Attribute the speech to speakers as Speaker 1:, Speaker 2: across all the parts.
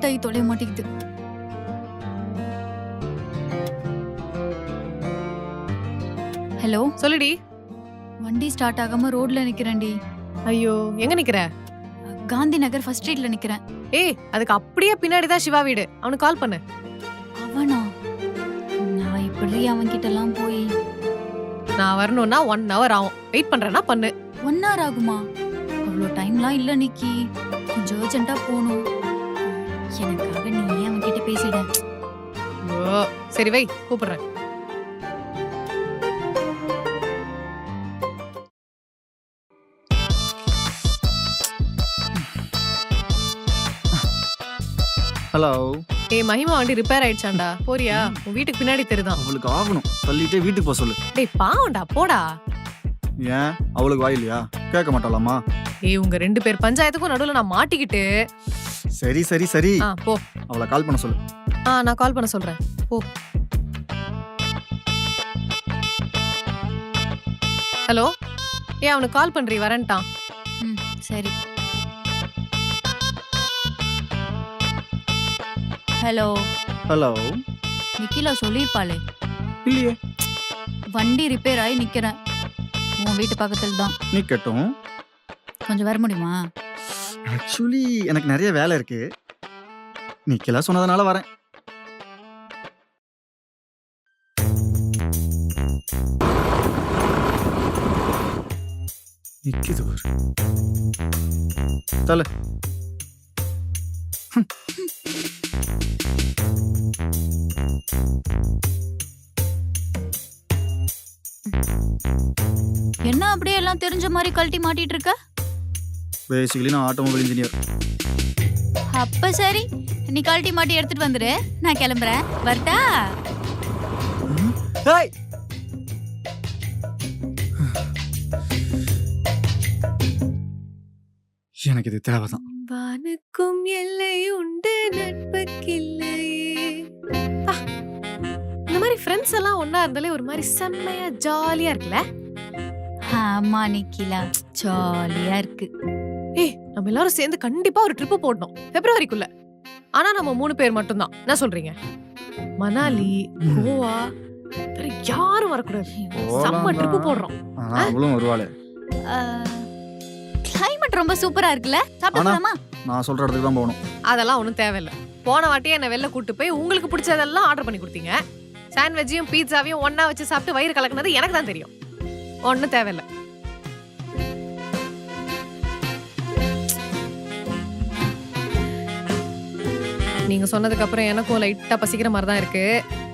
Speaker 1: Start ஆகி தொலைய மாட்டேங்குது. ஹலோ,
Speaker 2: சொல்லுடி.
Speaker 1: வண்டி ஸ்டார்ட் ஆகாம ரோட்ல நிக்கிறேன்டி.
Speaker 2: ஐயோ, எங்க நிக்கிற?
Speaker 1: காந்தி நகர் ஃபர்ஸ்ட் ஸ்ட்ரீட்ல நிக்கிறேன்.
Speaker 2: ஏய், அதுக்கு அப்படியே பின்னாடிதான் சிவா வீடு. அவனுக்கு கால் பண்ணு.
Speaker 1: அவனா? நான் இப்படி அவன்கிட்ட எல்லாம் போய்
Speaker 2: நான் வரணும்னா 1 hour ஆகும். வெயிட் பண்றேன்னா பண்ணு.
Speaker 1: 1 hour ஆகுமா? அவ்வளோ டைம்லாம் இல்ல நிக்கி. கொஞ்சம் அர்ஜென்ட்டா போகணும். எனக்காக நீ ஏன் அவன்கிட்ட பேசிட?
Speaker 2: ஓ சரி, வை, கூப்பிடுறேன்.
Speaker 3: ஹலோ.
Speaker 2: ஏய் மகிமா, வண்டி ரிப்பேர் ஆயிடுச்சாண்டா. போறியா? உன் வீட்டுக்கு பின்னாடி தெரியுதான்.
Speaker 3: அவளுக்கு ஆகணும், தள்ளிட்டே வீட்டுக்கு போக சொல்லு.
Speaker 2: டேய் பாவண்டா, போடா.
Speaker 3: ஏன் அவளுக்கு வாயிலையா? கேட்க மாட்டாளாமா?
Speaker 2: ஏய், உங்க 2 பேர் பஞ்சாயத்துக்கும் நடுவுல நான் மாட்டிக்கிட்டு.
Speaker 3: சரி சரி சரி,
Speaker 2: போ.
Speaker 3: அவளை கால் பண்ண சொல்லு.
Speaker 2: நான் கால் பண்ண சொல்றேன். போ. ஹலோ. ஏய், அவனுக்கு கால் பண்றீ, வரேன்ட்டான்.
Speaker 1: சரி. ஹலோ.
Speaker 3: ஹலோ.
Speaker 1: நிக்கிலா சொல்லிருப்பாளே.
Speaker 3: இல்லையே.
Speaker 1: வண்டி ரிப்பேர் ஆகி நிக்கிறேன். உன் வீட்டு பக்கத்துல தான்.
Speaker 3: நீ கேட்டும்
Speaker 1: கொஞ்சம் வர முடியுமா?
Speaker 3: ஆக்சுவலி எனக்கு நிறைய வேலை இருக்கு. நிக்கலா சொன்னதுனால வரேன். நிக்குது பாரு. தல.
Speaker 1: என்ன அப்படியே எல்லாம் தெரிஞ்ச மாதிரி கழட்டி மாட்டிட்டு இருக்க?
Speaker 3: பேசிக்கலி நான் ஆட்டோமொபைல் இன்ஜினியர்.
Speaker 1: அப்ப சரி, நீ கழட்டி மாட்டி எடுத்துட்டு வந்துரு. நான் கிளம்புறேன். வரட்டா?
Speaker 3: ஹேய். எனக்கு இது தேவைதான்.
Speaker 2: வானுக்கும் எல்லை உண்டு, நட்புக்கில்லையே. இந்த மாதிரி ஃப்ரெண்ட்ஸ் எல்லாம் ஒண்ணா இருந்தாலே ஒரு மாதிரி செம்மையா ஜாலியா இருக்குல்ல?
Speaker 1: ஆமா நிக்கிலா, ஜாலியா இருக்கு.
Speaker 2: ஏய், நம்ம எல்லாரும் சேர்ந்து கண்டிப்பா ஒரு ட்ரிப் போடணும் பிப்ரவரிக்குள்ள. ஆனா நம்ம 3 பேர் மட்டும்தான். என்ன சொல்றீங்க? மணாலி, கோவா, வேற யாரும் வரக்கூடாது. செம்ம ட்ரிப் போடுறோம்.
Speaker 3: அவளும் வருவாளே.
Speaker 1: கிளைமேட் ரொம்ப சூப்பரா இருக்குல்ல? சாப்பிடலாமா?
Speaker 3: நான் சொல்ற இடத்துக்கு தான் போகணும்.
Speaker 2: அதெல்லாம் ஒண்ணும் தேவையில்ல. போன வாட்டியே என்ன வெளில கூட்டு போய் உங்களுக்கு பிடிச்சதெல்லாம் ஆர்டர் பண்ணி கொடுத்தீங்க. சாண்ட்விச்சையும் பீட்சாவையும் ஒண்ணா வச்சு சாப்பிட்டு வயிறு கலக்குனது எனக்கு தான் தெரியும். ஒண்ணும் தேவையில்ல. நீங்க சொன்னதுக்கு அப்புறம் எனக்கும் லைட்டா பசிக்கிற மாதிரி தான் இருக்கு.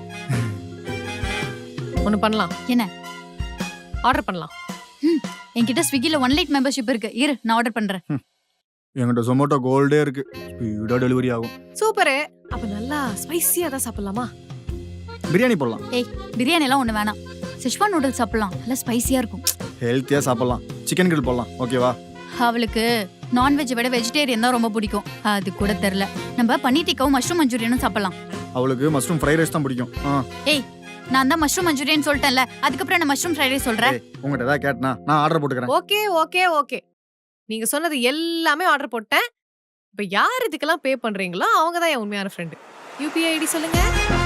Speaker 2: ஒண்ணு பண்ணலாம்.
Speaker 1: என்ன?
Speaker 2: ஆர்டர் பண்ணலாம்.
Speaker 1: என்கிட்ட ஸ்விக்கில 1 லைட் மெம்பர்ஷிப் இருக்கு. இரு, நான் ஆர்டர் பண்றேன்.
Speaker 3: என்கிட்ட ஜொமேட்டோ கோல்டே இருக்கு. ஸ்பீடா டெலிவரி ஆகும்.
Speaker 2: சூப்பர். அப்ப நல்லா ஸ்பைசியா தான் சாப்பிடலாமா?
Speaker 3: பிரியாணி போடலாம்.
Speaker 1: ஏய், பிரியாணி எல்லாம் ஒண்ணு வேணாம். செஷ்வான் நூடுல்ஸ் சாப்பிடலாம். நல்லா ஸ்பைசியா இருக்கும்.
Speaker 3: ஹெல்த்தியா சாப்பிடலாம். சிக்கன் கிரில் போடலாம். ஓகேவா?
Speaker 1: அவளுக்கு நான்வெஜ் விட வெஜிடேரியன் தான் ரொம்ப பிடிக்கும். அது கூட தெரியல. நம்ம பன்னீர் டிக்காவும் மஷ்ரூம் மஞ்சூரியனும் சாப்பிடலாம்.
Speaker 3: அவளுக்கு மஷ்ரூம் ஃப்ரைட் ரைஸ் தான் பிடிக்கும்.
Speaker 1: ஏய், நான் தான் மஷ்ரூம் மஞ்சூரியன் சொல்லிட்டேன்ல. அதுக்கப்புறம் நான் மஷ்ரூம் ஃப்ரைட் ரைஸ் சொல்றேன்.
Speaker 3: உங்ககிட்ட ஏதாவது கேட்டனா நான் ஆர்டர் போட்டுக்கிறேன்.
Speaker 2: Okay okay okay. நீங்க சொன்னது எல்லாமே ஆர்டர் போட்டேன். இப்ப யார் இதுக்கெல்லாம் பே பண்றீங்களோ அவங்க தான் என் உண்மையான ஃப்ரெண்டு. யூபிஐ ஐடி சொல்லுங்க.